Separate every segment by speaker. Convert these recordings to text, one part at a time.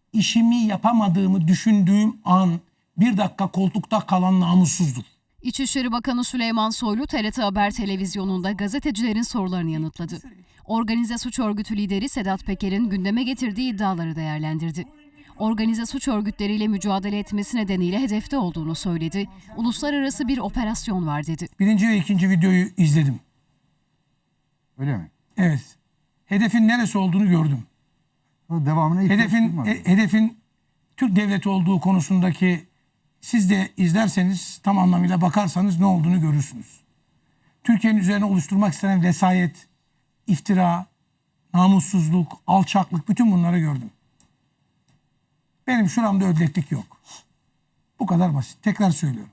Speaker 1: işimi yapamadığımı düşündüğüm an bir dakika koltukta kalan namussuzdur.
Speaker 2: İçişleri Bakanı Süleyman Soylu TRT Haber televizyonunda gazetecilerin sorularını yanıtladı. Organize suç örgütü lideri Sedat Peker'in gündeme getirdiği iddiaları değerlendirdi. Organize suç örgütleriyle mücadele etmesi nedeniyle hedefte olduğunu söyledi. Uluslararası bir operasyon var dedi.
Speaker 1: Birinci ve ikinci videoyu izledim.
Speaker 3: Öyle mi?
Speaker 1: Evet. Hedefin neresi olduğunu gördüm.
Speaker 3: Devamına ihtiyaç duymadım.
Speaker 1: Hedefin Türk devleti olduğu konusundaki, siz de izlerseniz tam anlamıyla bakarsanız ne olduğunu görürsünüz. Türkiye'nin üzerine oluşturmak istenen vesayet, iftira, namussuzluk, alçaklık, bütün bunları gördüm. Benim şuramda ödleklik yok. Bu kadar basit. Tekrar söylüyorum.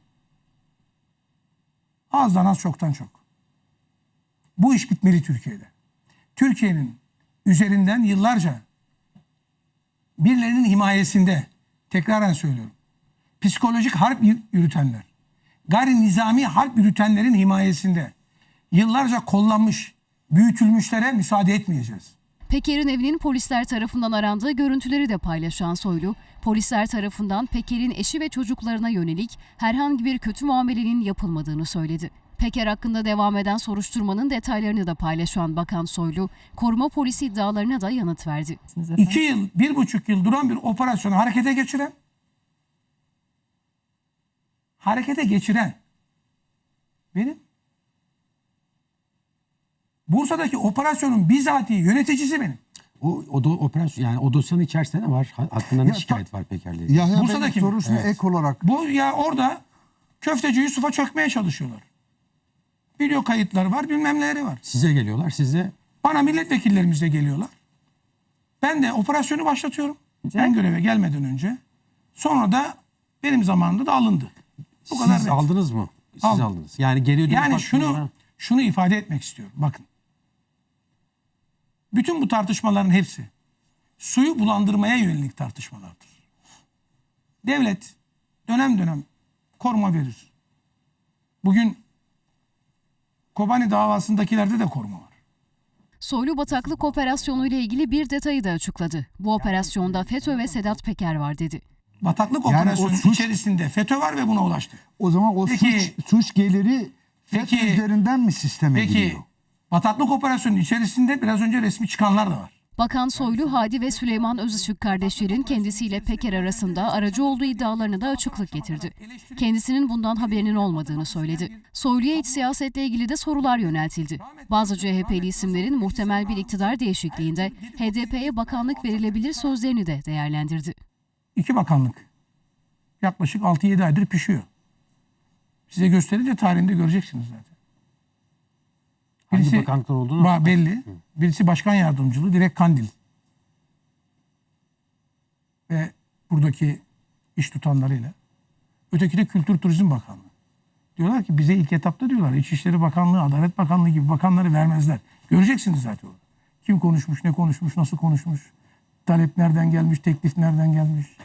Speaker 1: Azdan az, çoktan çok. Bu iş bitmeli Türkiye'de. Türkiye'nin üzerinden yıllarca birilerinin himayesinde, tekraren söylüyorum, psikolojik harp yürütenler, gayri nizami harp yürütenlerin himayesinde yıllarca kollanmış, büyütülmüşlere müsaade etmeyeceğiz.
Speaker 2: Peker'in evinin polisler tarafından arandığı görüntüleri de paylaşan Soylu, polisler tarafından Peker'in eşi ve çocuklarına yönelik herhangi bir kötü muamelenin yapılmadığını söyledi. Peker hakkında devam eden soruşturmanın detaylarını da paylaşan Bakan Soylu, koruma polisi iddialarına da yanıt verdi.
Speaker 1: 2 yıl, 1,5 yıl duran bir operasyonu harekete geçiren benim. Bursa'daki operasyonun bizatihi yöneticisi benim.
Speaker 4: O da operasyon, yani o dosyanın içerisinde ne var? Hakkında ne şikayet var Peker'le ilgili?
Speaker 3: Yahya
Speaker 1: Bursa'daki
Speaker 3: Bey'in
Speaker 1: mi?
Speaker 3: sorusuna
Speaker 4: Evet.
Speaker 3: ek olarak
Speaker 1: Bu ya orada Köfteci Yusuf'a çökmeye çalışıyorlar. Video kayıtları var, bilmem neleri var.
Speaker 4: Size geliyorlar, size
Speaker 1: Bana milletvekillerimiz de geliyorlar. Ben de operasyonu başlatıyorum. Ben göreve gelmeden önce. Sonra da benim zamanımda da alındı. Bu kadar
Speaker 4: siz
Speaker 1: net.
Speaker 4: aldınız mı? Siz
Speaker 1: Aldım.
Speaker 4: aldınız. Yani geri dönüp
Speaker 1: Yani
Speaker 4: baktığında-
Speaker 1: şunu ifade etmek istiyorum. Bakın. Bütün bu tartışmaların hepsi suyu bulandırmaya yönelik tartışmalardır. Devlet dönem dönem koruma verir. Bugün Kobani davasındakilerde de koruma var.
Speaker 2: Soylu bataklık operasyonu ile ilgili bir detayı da açıkladı. Bu operasyonda FETÖ ve Sedat Peker var dedi.
Speaker 1: Bataklık
Speaker 3: Yani
Speaker 1: operasyonu
Speaker 3: o suç-
Speaker 1: içerisinde FETÖ var ve buna ulaştı.
Speaker 3: o zaman o
Speaker 1: Peki-
Speaker 3: suç geliri FETÖ
Speaker 1: Peki-
Speaker 3: üzerinden mi sisteme
Speaker 1: Peki
Speaker 3: giriyor?
Speaker 1: bataklık operasyonunun içerisinde biraz önce resmi çıkanlar da var.
Speaker 2: Bakan Soylu, Hadi ve Süleyman Özışık kardeşlerin kendisiyle Peker arasında aracı olduğu iddialarına da açıklık getirdi. Kendisinin bundan haberinin olmadığını söyledi. Soylu'ya iç siyasetle ilgili de sorular yöneltildi. Bazı CHP'li isimlerin muhtemel bir iktidar değişikliğinde HDP'ye bakanlık verilebilir sözlerini de değerlendirdi.
Speaker 1: 2 bakanlık yaklaşık 6-7 aydır pişiyor. Size gösterince tarihinde göreceksiniz zaten.
Speaker 4: Hangi bakanlıklar olduğunu
Speaker 1: belli. Birisi başkan yardımcılığı, direkt Kandil. Ve buradaki iş tutanlarıyla. Öteki de Kültür Turizm Bakanlığı. Diyorlar ki bize ilk etapta diyorlar İçişleri Bakanlığı, Adalet Bakanlığı gibi bakanları vermezler. Göreceksiniz zaten orada. Kim konuşmuş, ne konuşmuş, nasıl konuşmuş, talep nereden gelmiş, teklif nereden gelmiş.